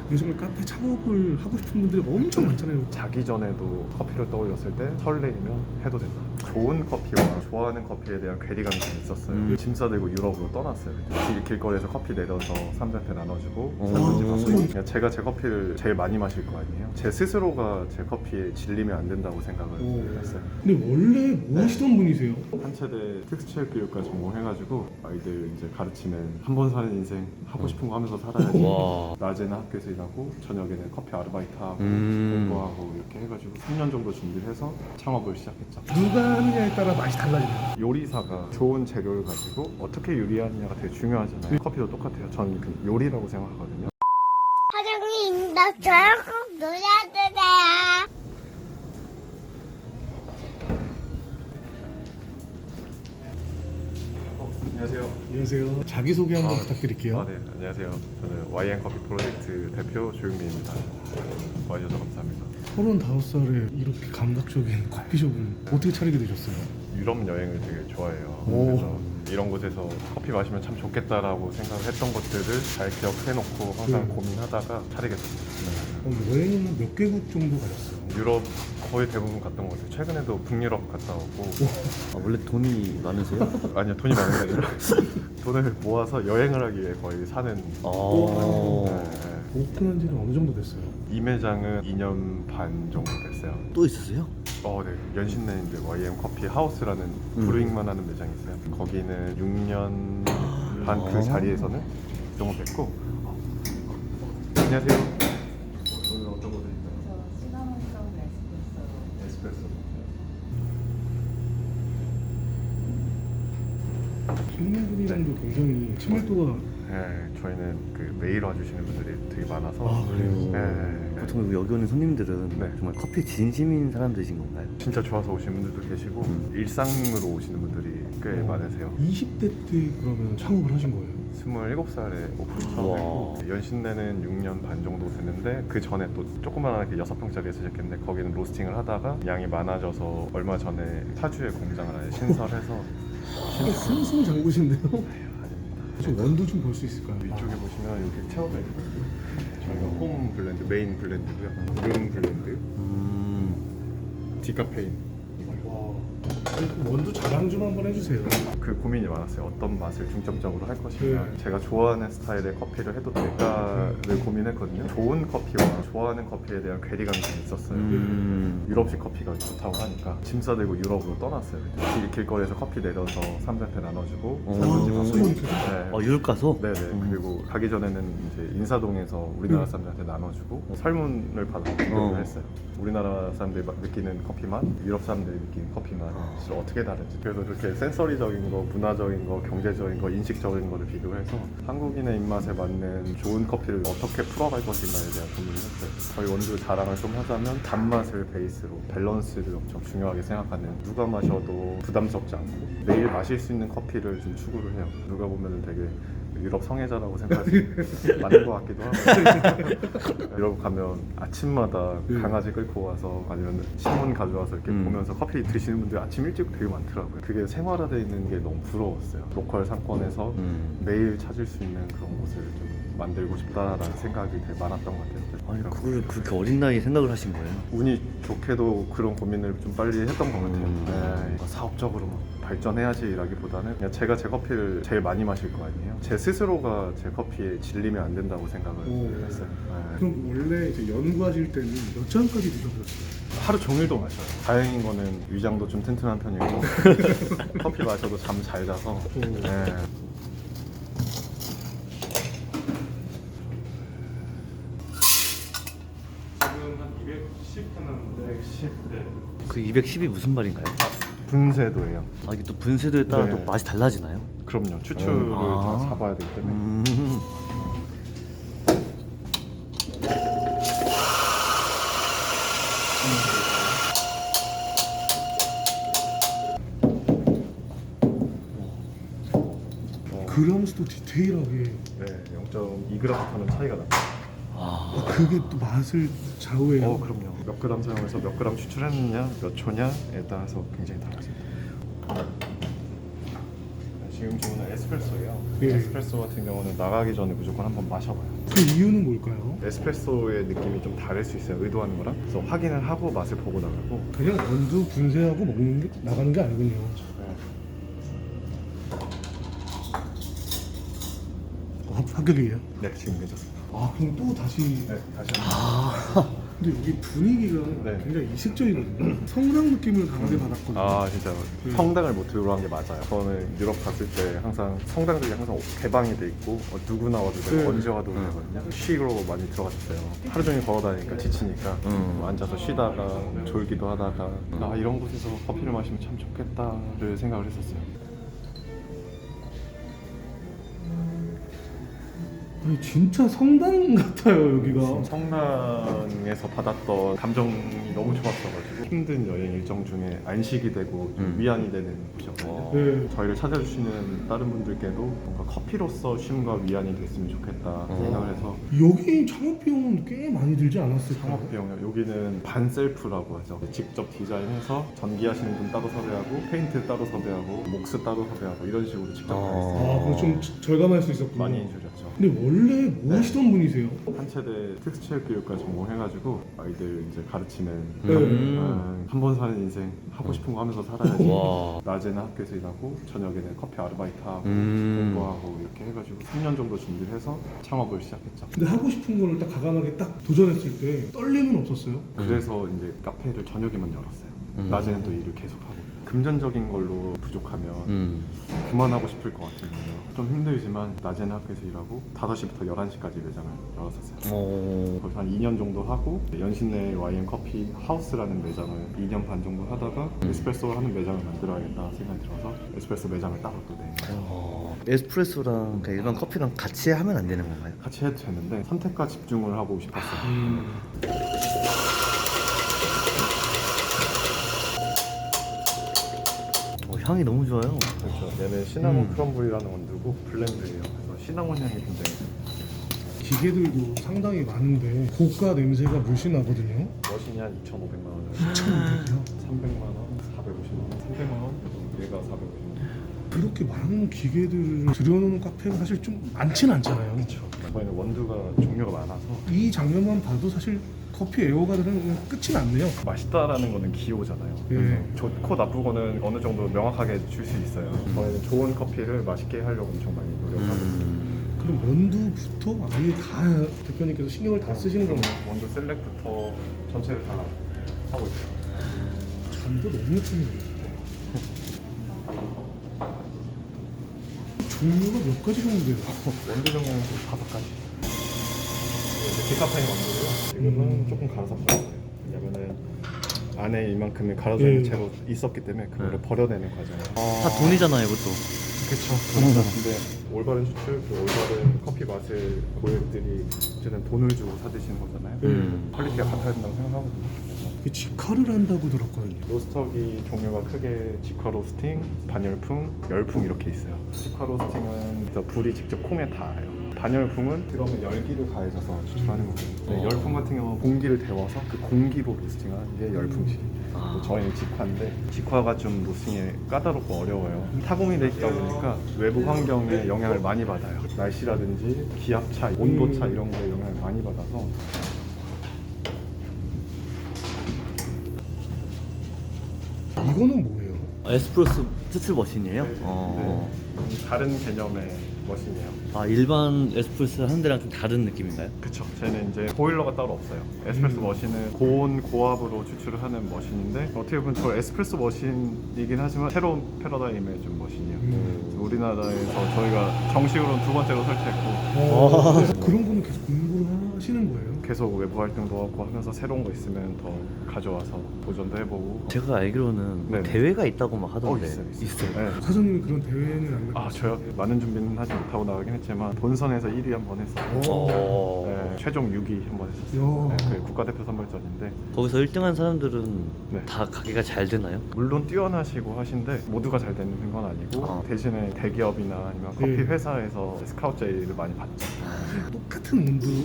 요즘에 카페 창업을 하고 싶은 분들이 엄청 많잖아요. 자기 전에도 커피를 떠올렸을 때 설레이면 해도 된다. 좋은 커피와 좋아하는 커피에 대한 괴리감이 좀 있었어요. 짐 싸들고 유럽으로 떠났어요. 길거리에서 커피 내려서 사람들한테 나눠주고 설문지 받고. 그냥 제가 제 커피를 제일 많이 마실 거 아니에요. 제 스스로가 제 커피에 질리면 안 된다고 생각을 했어요. 근데 원래 뭐 하시던 분이세요? 한체대 특수체육교육과 전공해가지고 아이들 이제 가르치는 한 번 사는 인생 하고 싶은 거 하면서 살아야지. 와. 낮에는 학교에서 일하고 저녁에는 커피 아르바이트하고 공부하고 이렇게 해가지고 3년 정도 준비를 해서 창업을 시작했죠. 누가 하느냐에 따라 맛이 달라지네요. 요리사가 좋은 재료를 가지고 어떻게 요리하느냐가 되게 중요하잖아요. 커피도 똑같아요. 저는 그 요리라고 생각하거든요. 사장님, 나 저랑 꼭 놀아주세요. 안녕하세요. 안녕하세요. 자기소개 한번 부탁드릴게요. 네, 안녕하세요. 저는 YN 커피 프로젝트 대표 조용민입니다. 와주셔서 감사합니다. 35살에 이렇게 감각적인 커피숍은 어떻게 차리게 되셨어요? 유럽 여행을 되게 좋아해요. 오. 그래서 이런 곳에서 커피 마시면 참 좋겠다라고 생각했던 것들을 잘 기억해놓고 항상 고민하다가 차리게 됐습니다. 여행은 몇 개국 정도 가셨어요? 유럽 거의 대부분 갔던 것 같아요. 최근에도 북유럽 갔다 오고. 아, 원래 돈이 많으세요? 아니요, 돈이 많은 게 아니라 돈을 모아서 여행을 하기 위해 거의 사는. 오픈한 지는 어느 정도 됐어요? 이 매장은 2년 반 정도 됐어요. 또 있으세요? 네. 연신내 이제 YM 커피 하우스라는 브루잉만 하는 매장이 있어요. 거기는 6년 반 그 자리에서는 그 정도 됐고. 안녕하세요. 오늘 어떤 거 드릴까요? 저 시나몬 사운드 에스프레소. 에스프레소. 손님분이랑도 굉장히 친밀도가 네, 저희는 그 매일 와주시는 분들이 되게 많아서. 그래요? 네. 보통 여기 오는 손님들은 네. 정말 커피 진심인 사람들이신 건가요? 진짜 좋아서 오시는 분들도 계시고 일상으로 오시는 분들이 꽤 많으세요. 20대 때 그러면 창업을 하신 거예요? 27살에 오픈 처음 했고 연신내는 6년 반 정도 됐는데 그 전에 또 조그만하게 6평짜리에서 시작했는데 거기는 로스팅을 하다가 양이 많아져서 얼마 전에 파주에 공장을 아예 신설해서 승승장구신데요? 아닙니다. 저 원두 좀 볼 수 있을까요? 이쪽에 보시면 여기 체어가 있거든요. 저희가 홈 블렌드, 메인 블렌드고요. 룸 블렌드, 디카페인. 와, 원두 자랑 좀 한번 해주세요. 그 고민이 많았어요. 어떤 맛을 중점적으로 할 것이냐. 제가 좋아하는 스타일의 커피를 해도 될까를 고민했거든요. 좋은 커피와 좋아하는 커피에 대한 괴리감이 좀 있었어요. 유럽식 커피가 좋다고 하니까 짐 싸들고 유럽으로 떠났어요. 길거리에서 커피 내려서 사람들한테 나눠주고 설문지 받고. 네. 유럽 가서? 네네. 그리고 가기 전에는 이제 인사동에서 우리나라 사람들한테 나눠주고 설문을 받아서 비교를 했어요. 우리나라 사람들이 느끼는 커피 맛, 유럽 사람들이 느끼는 커피 맛 어떻게 다른지. 그래서 그렇게 센서리적인 거, 문화적인 거, 경제적인 거, 인식적인 거를 비교해서 한국인의 입맛에 맞는 좋은 커피를 어떻게 풀어갈 것인가에 대한 고민을 했어요. 저희 원두 자랑을 좀 하자면 단맛을 베이스로 밸런스를 엄청 중요하게 생각하는, 누가 마셔도 부담스럽지 않고 매일 마실 수 있는 커피를 좀 추구를 해요. 누가 보면 되게 유럽 성애자라고 생각하지 맞는 것 같기도 하고. 유럽 가면 아침마다 강아지 끌고 와서 아니면 신문 가져와서 이렇게 보면서 커피 드시는 분들이 아침 일찍 되게 많더라고요. 그게 생활화되어 있는 게 너무 부러웠어요. 로컬 상권에서 매일 찾을 수 있는 그런 곳을 좀 만들고 싶다라는 생각이 되게 많았던 것 같아요. 아니 그걸 그렇게 어린 나이에 생각을 하신 거예요? 운이 좋게도 그런 고민을 좀 빨리 했던 것 같아요. 네, 사업적으로 막 발전해야지라기보다는 그냥 제가 제 커피를 제일 많이 마실 거 아니에요. 제 스스로가 제 커피에 질리면 안 된다고 생각을 했어요. 네. 그럼 원래 이제 연구하실 때는 몇 잔까지 드셔보셨어요? 하루 종일도 마셔요. 다행인 거는 위장도 좀 튼튼한 편이고 커피 마셔도 잠 잘 자서. 네. 지금 한 210 하나 210. 네. 그 210이 무슨 말인가요? 분쇄도예요. 이게 또 분쇄도에 따라 네. 또 맛이 달라지나요? 그럼요. 추출을 다 잡아야 되기 때문에. 그램 수도 디테일하게. 네, 0.2g 하는 차이가 납니다. 그게 또 맛을 좌우해요. 그럼요. 몇 그램 사용해서 몇 그램 추출했느냐, 몇 초냐에 따라서 굉장히 달라집니다. 지금 주문은 에스프레소예요. 예. 에스프레소 같은 경우는 나가기 전에 무조건 한번 마셔봐요. 그 이유는 뭘까요? 에스프레소의 느낌이 좀 다를 수 있어요. 의도하는 거랑. 그래서 확인을 하고 맛을 보고 나가고. 그냥 원두 분쇄하고 먹는 게 나가는 게 아니군요. 합격이에요? 네, 지금 괜찮습니다. 아 그럼 또 다시 네, 다시 한번. 근데 여기 분위기가 네. 굉장히 이색적이거든요. 성당 느낌을 강하게 받았거든요. 아 진짜 성당을 모티브로 한 게 맞아요. 저는 유럽 갔을 때 항상 성당들이 항상 개방이 돼 있고 누구나 와도 되고 네. 언제 와도 되거든요. 쉬러 많이 들어갔어요. 하루 종일 걸어 다니니까 지치니까 뭐 앉아서 쉬다가 졸기도 하다가 아 이런 곳에서 커피를 마시면 참 좋겠다를 생각을 했었어요. 아니, 진짜 성당 같아요 여기가. 성당에서 받았던 감정이 너무 좋았어가지고 힘든 여행 일정 중에 안식이 되고 좀 위안이 되는 곳이었거든요. 네. 저희를 찾아주시는 다른 분들께도 뭔가 커피로서 쉼과 위안이 됐으면 좋겠다 생각을 해서 여기 창업 비용은 꽤 많이 들지 않았을까요? 창업비용이요. 여기는 반셀프라고 하죠. 직접 디자인해서 전기하시는 분 따로 섭외하고 페인트 따로 섭외하고 목스 따로 섭외하고 이런 식으로 직접 다 했어요. 아 그럼 좀 절감할 수 있었군요. 많이 줄였죠. 근데 원래 뭐 하시던 분이세요? 한체대 특수체육교육과 전공해가지고 아이들 이제 가르치는 네. 한 번 사는 인생 하고 싶은 거 하면서 살아야지. 와. 낮에는 학교에서 일하고 저녁에는 커피 아르바이트하고 음. 공부하고 이렇게 해가지고 3년 정도 준비를 해서 창업을 시작했죠. 근데 하고 싶은 거를 딱 과감하게 딱 도전했을 때 떨림은 없었어요? 그래서 이제 카페를 저녁에만 열었어요. 낮에는 또 일을 계속하고 금전적인 걸로 부족하면 그만하고 싶을 것 같은 거예요. 좀 힘들지만 낮에는 학교에서 일하고 5시부터 11시까지 매장을 열었었어요. 거기서 한 2년 정도 하고 연신내 YM 커피 하우스라는 매장을 2년 반 정도 하다가 에스프레소 하는 매장을 만들어야겠다 생각이 들어서 에스프레소 매장을 따로 또 내요. 에스프레소랑 그냥 일반 커피랑 같이 하면 안 되는 건가요? 같이 해도 되는데 선택과 집중을 하고 싶었어요. 향이 너무 좋아요. 그렇죠. 얘는 시나몬 크럼블이라는 원두고 블렌드예요. 그래서 시나몬 향이 굉장히 기계들도 상당히 많은데 고가 냄새가 물씬 나거든요. 머신이 한 2,500만 원, 2,500이요? 300만 원, 450만 원, 300만 원, 얘가 450만 원. 그렇게 많은 기계들을 들여놓는 카페가 사실 좀 많진 않잖아요. 그렇죠. 저희는 원두가 종류가 많아서 이 장면만 봐도 사실 커피 애호가들은 그냥 끝이 났네요. 맛있다라는 거는 기호잖아요. 예. 그래서 좋고 나쁘고는 어느 정도 명확하게 줄 수 있어요. 저희는 좋은 커피를 맛있게 하려고 엄청 많이 노력하고 있어요. 그럼 원두부터 아예 다 대표님께서 신경을 다 쓰시는 건가요? 원두 셀렉부터 전체를 다 하고 있어요. 잔도 너무 예쁘네요. 종류가 몇 가지 정도 돼요? 원두 종류는 5가지. 이제 디카페인 원두고요. 이거는 조금 갈아서 버릴 거예요. 왜냐면은 안에 이만큼의 갈아져 있는 예. 채로 있었기 때문에 그거를 버려내는 과정을. 다 돈이잖아요, 이것도. 그렇죠. 근데 올바른 수출, 그 올바른 커피 맛을 고객들이 어쨌든 돈을 주고 사드시는 거잖아요. 퀄리티가 같아야 된다고 생각하거든요. 그래서 이게 직화를 한다고 들었거든요. 로스터기 종류가 크게 직화 로스팅, 반열풍, 열풍 이렇게 있어요. 직화 로스팅은 불이 직접 콩에 닿아요. 반열풍은 그러면 열기를 가해져서 추출하는 거거든요. 열풍 같은 경우는 공기를 데워서 그 공기로 로스팅하는 게 열풍식입니다. 저희는 직화인데 직화가 좀 로스팅이 까다롭고 어려워요. 타공이 돼 있다 보니까 외부 환경에 영향을 많이 받아요. 날씨라든지 기압 차, 온도 차 이런 거에 영향을 많이 받아서 이거는 뭐예요? 에스프레소 추출 머신이에요? 네. 다른 개념의 머신이에요. 아, 일반 에스프레소 하는 데랑 좀 다른 느낌인가요? 그쵸. 쟤는 이제 보일러가 따로 없어요. 에스프레소 머신은 고온 고압으로 추출을 하는 머신인데 어떻게 보면 저 에스프레소 머신이긴 하지만 새로운 패러다임의 좀 머신이에요. 우리나라에서 저희가 정식으로 2번째로 설치했고 그런 거는 계속 공부를 하시는 거예요? 계속 외부 활동도 하고 하면서 새로운 거 있으면 더 가져와서 도전도 해보고. 제가 알기로는 네네. 대회가 있다고 막 하던데. 있어요. 있어요. 네. 사장님이 그런 대회는 안 아 저요? 많은 준비는 하지 못하고 나가긴 했지만 본선에서 1위 한 번 했어요. 어. 네, 최종 6위 한 번 했었어요. 야. 네, 그게 국가대표 선발전인데 거기서 1등한 사람들은 네. 다 가게가 잘 되나요? 물론 뛰어나시고 하신데 모두가 잘 되는 건 아니고 대신에 대기업이나 아니면 커피 네. 회사에서 스카우트 제의를 많이 받죠. 똑같은 온도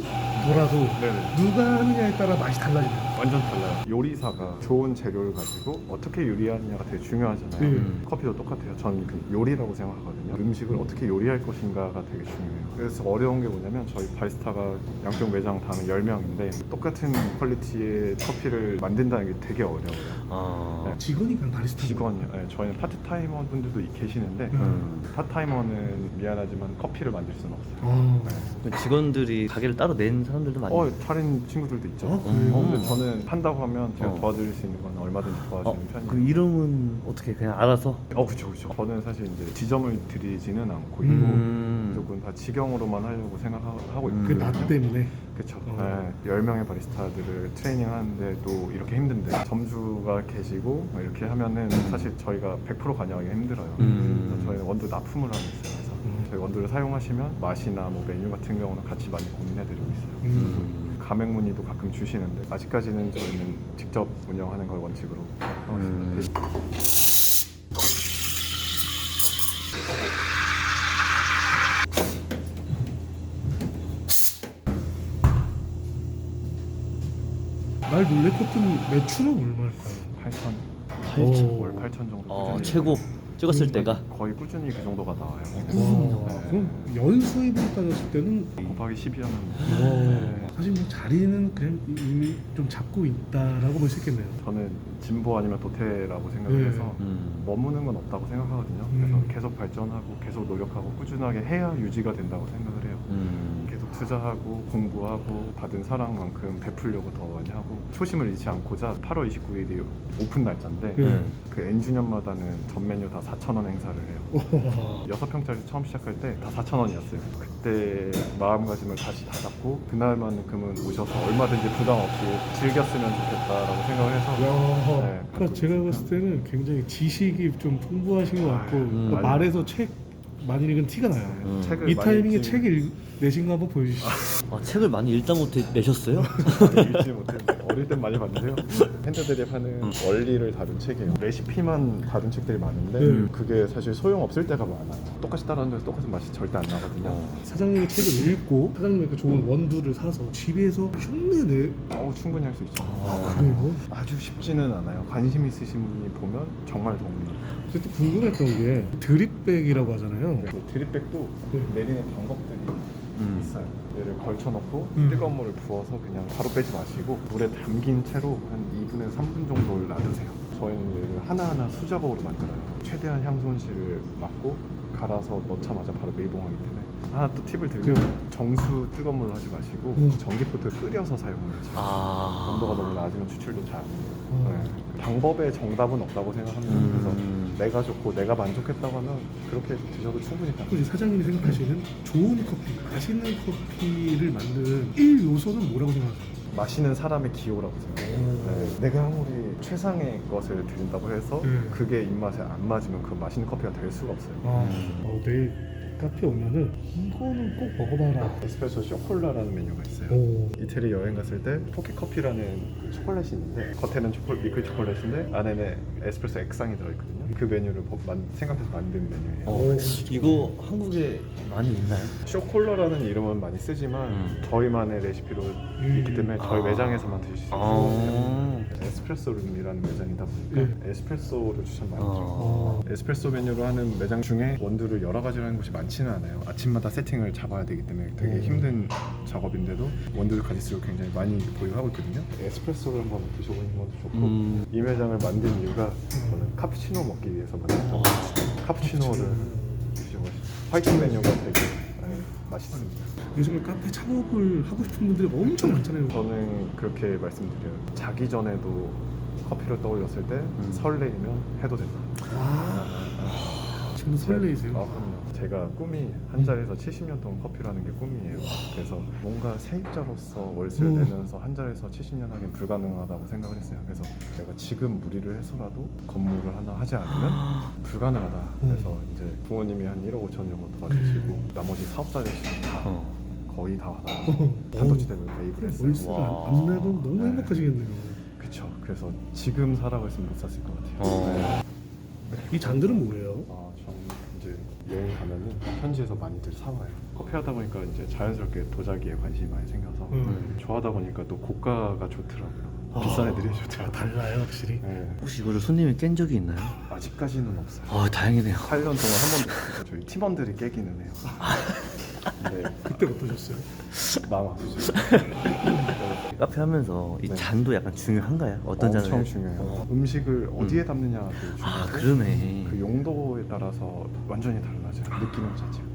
돌아도 네네. 누가 하느냐에 따라 맛이 달라지네요. 완전 달라요. 요리사가 좋은 재료를 가지고 어떻게 요리하느냐가 되게 중요하잖아요. 커피도 똑같아요. 저는 그 요리라고 생각하거든요. 음식을 어떻게 요리할 것인가가 되게 중요해요. 그래서 어려운 게 뭐냐면 저희 바리스타가 양쪽 매장 다는 10명인데 똑같은 퀄리티의 커피를 만든다는 게 되게 어려워요. 직원이 그냥 바리스타. 직원이요. 네, 저희는 파트타이머 분들도 계시는데 파트타이머는 미안하지만 커피를 만들 수는 없어요. 직원들이 가게를 따로 낸 사람들도 많이 차린 친구들도 있죠. 그래요? 근데 저는 한다고 하면 제가 도와드릴 수 있는 건 얼마든지 도와주는 그 편이에요. 이름은 어떻게 그냥 알아서? 그쵸. 저는 사실 이제 지점을 드리지는 않고 있고 무조건 다 직영으로만 하려고 생각하고 있고. 그 나 때문에. 그쵸. 10명의 바리스타들을 트레이닝 하는데 또 이렇게 힘든데 점주가 계시고 이렇게 하면은 사실 저희가 100% 관여하기 힘들어요. 그래서 저희는 원두 납품을 하고 있어요. 그래서 저희 원두를 사용하시면 맛이나 뭐 메뉴 같은 경우는 같이 많이 고민해드리고 있어요. 가맹 문의도 가끔 주시는데 아직까지는 저희는 직접 운영하는 걸 원칙으로 하고 있습니다. 날 놀래켰던 매출은 얼마일까요? 8천? 월 8천 정도 꾸준히 최고 찍었을 때가 거의 꾸준히 그 정도가 나와요. 그럼 연수입으로 따졌을 때는 곱하기 12하면 사실 뭐 자리는 그냥 이미 좀 잡고 있다라고 볼 수 있겠네요. 저는 진보 아니면 도태라고 생각을 해서 머무는 건 없다고 생각하거든요. 그래서 계속 발전하고 계속 노력하고 꾸준하게 해야 유지가 된다고 생각을 해요. 계속 투자하고 공부하고 받은 사랑만큼 베풀려고 더 많이 하고 초심을 잃지 않고자 8월 29일이 오픈 날짜인데 그 N주년마다는 전 메뉴 다 4,000원 행사를 해요. 6평짜리 처음 시작할 때 다 4,000원이었어요. 그때 마음가짐을 다시 다잡고 그날만큼은 오셔서 얼마든지 부담 없이 즐겼으면 좋겠다라고 생각을 해서 그러니까 제가 봤을 때는 굉장히 지식이 좀 풍부하신 것 같고 그러니까 말에서 책 많이 읽은 티가 나요. 책을 이 많이 타이밍에 읽지. 책 내신 거 한번 보여주시죠. 책을 많이 읽다 못해 내셨어요? 읽지 못했는데 어릴 땐 많이 봤는데요. 핸드들이 하는 원리를 다룬 책이에요. 레시피만 다룬 책들이 많은데 그게 사실 소용없을 때가 많아요. 똑같이 따라하는데 똑같은 맛이 절대 안 나거든요. 사장님의 책을 읽고 사장님의 그 좋은 원두를 사서 집에서 흉내 충분히 할 수 있죠. 그래요? 아주 쉽지는 않아요. 관심 있으신 분이 보면 정말 도움이 돼요. 그때 궁금했던 게 드립백이라고 하잖아요. 드립백도 내리는 방법들이 있어요. 얘를 걸쳐놓고 뜨거운 물을 부어서 그냥 바로 빼지 마시고 물에 담긴 채로 한 2분에서 3분 정도를 놔두세요. 저희는 얘를 하나하나 수작업으로 만들어요. 최대한 향손실을 막고 갈아서 넣자마자 바로 밀봉하기 때문에 하나 또 팁을 드리면 정수 뜨거운 물로 하지 마시고 전기포트를 끓여서 사용하죠. 온도가 너무 낮으면 추출도 잘 안 돼요. 방법의 정답은 없다고 생각합니다. 그래서 내가 좋고 내가 만족했다고 하면 그렇게 드셔도 충분히 혹시 가능해요. 사장님이 생각하시는 좋은 커피, 맛있는 커피를 만드는 1요소는 뭐라고 생각하세요? 마시는 사람의 기호라고 생각해요. 내가 아무리 최상의 것을 드린다고 해서 그게 입맛에 안 맞으면 그 맛있는 커피가 될 수가 없어요. 내일 카페 오면은 이거는 꼭 먹어봐라. 에스프레소 쇼콜라라는 메뉴가 있어요. 이태리 여행 갔을 때 포켓 커피라는 그 초콜릿이 있는데 겉에는 미끌 초콜릿인데 안에는 에스프레소 액상이 들어있거든요. 그 메뉴를 생각해서 만든 메뉴예요. 이거 한국에 많이 있나요? 쇼콜라라는 이름은 많이 쓰지만 저희만의 레시피로 있기 때문에 저희 매장에서만 드실 수 있어요. 에스프레소룸이라는 매장이다 보니까 에스프레소를 추천 많이 드려요. 에스프레소 메뉴로 하는 매장 중에 원두를 여러 가지로 하는 곳이 많지는 않아요. 아침마다 세팅을 잡아야 되기 때문에 되게 힘든 작업인데도 원두를 가짓수를 굉장히 많이 보유하고 있거든요. 에스프레소를 한번 드셔보는 것도 좋고 이 매장을 만든 이유가 저는 카푸치노 먹기 위해서 만들었죠. 카푸치노를 드셔보시죠. 화이트 메뉴가 되게 맛있습니다. 요즘에 카페 창업을 하고 싶은 분들이 엄청 많잖아요. 저는 그렇게 말씀드려요. 자기 전에도 커피를 떠올렸을 때 설레이면 해도 된다. 지금 설레이세요? 그럼요. 제가 꿈이 한 자리에서 70년 동안 커피를 하는 게 꿈이에요. 그래서 뭔가 세입자로서 월세를 내면서 한 자리에서 70년 하긴 불가능하다고 생각을 했어요. 그래서 제가 지금 무리를 해서라도 건물을 하나 하지 않으면 불가능하다. 그래서 이제 부모님이 한 1억 5천 정도 도와주시고 나머지 사업자들이 다 거의 다 단도직입으로 매입을 했어요. 월세가 안 내도 너무 행복하시겠네요. 그쵸. 그래서 지금 살아갔으면 못 샀을 것 같아요. 이 잔들은 뭐예요? 저는 이제 여행 가면은 현지에서 많이들 사와요. 커피 하다 보니까 이제 자연스럽게 도자기에 관심이 많이 생겨서 좋아하다 보니까 또 고가가 좋더라고요. 비싼 애들이 좋더라고요. 달라요 확실히. 네. 혹시 이거를 손님이 깬 적이 있나요? 아직까지는 없어요. 다행이네요. 8년 동안 한 번도 없어요. 저희 팀원들이 깨기는 해요. 근데 그때 어떠셨어요? 마음 아프죠. 카페 하면서 이 네. 잔도 약간 중요한가요? 어떤 잔을? 엄청 중요해요. 음식을 어디에 담느냐도 중요하고 그러네. 그 용도에 따라서 완전히 달라져요. 느낌 자체가.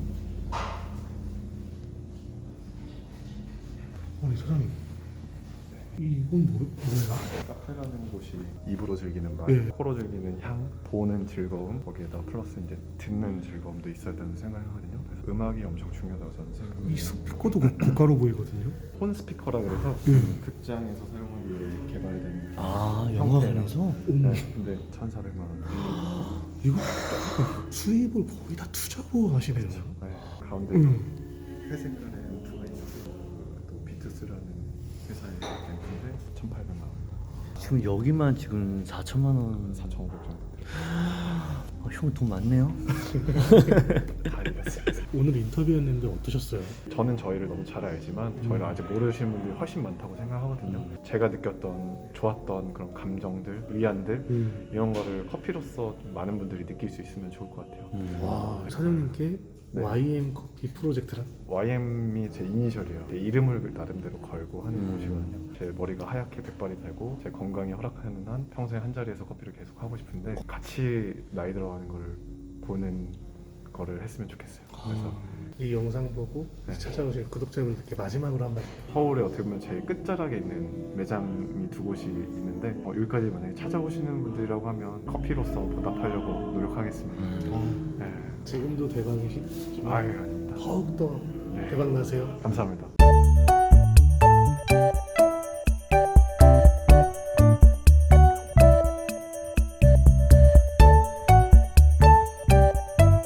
아니 사장님 이건 뭐예요? 카페라는 곳이 입으로 즐기는 맛, 네. 코로 즐기는 향, 보는 즐거움, 거기에다 플러스 이제 듣는 즐거움도 있어야 된다는 생각을 하거든요. 그래서 음악이 엄청 중요하다고 저는 생각해요. 이 스피커도 고가로 보이거든요. 폰 스피커라 그래서 네. 극장에서 사용하기 위해 개발된 영화관에서? 어머, 네, 근데 1,400만 원. 이거 수입을 거의 다 투자로 하시네요. 네, 가운데 회색깔의 앰프가 있어서 또 비트스라는 회사의 앰프인데 1,800만 원, 지금 여기만 지금 4천만 원. 4,500 정도. 형 돈 많네요. 다 이랬어요. 오늘 인터뷰했는데 어떠셨어요? 저는 저희를 너무 잘 알지만 저희를 아직 모르시는 분들이 훨씬 많다고 생각하거든요. 제가 느꼈던 좋았던 그런 감정들, 위안들 이런 거를 커피로서 좀 많은 분들이 느낄 수 있으면 좋을 것 같아요. 와 사장님께 네. YM 커피 프로젝트란? YM이 제 이니셜이에요. 제 이름을 나름대로 걸고 하는 곳이거든요. 제 머리가 하얗게 백발이 되고 제 건강이 허락하는 한 평생 한 자리에서 커피를 계속 하고 싶은데 같이 나이 들어가는 걸 보는 거를 했으면 좋겠어요. 그래서 이 영상 보고 네. 찾아오신 구독자분들께 마지막으로 한마디. 서울에 어떻게 보면 제일 끝자락에 있는 매장이 두 곳이 있는데 여기까지 만약에 찾아오시는 분들이라고 하면 커피로서 보답하려고 노력하겠습니다. 네. 지금도 대박이시지만 아유, 아닙니다. 더욱더 네. 대박 나세요. 감사합니다.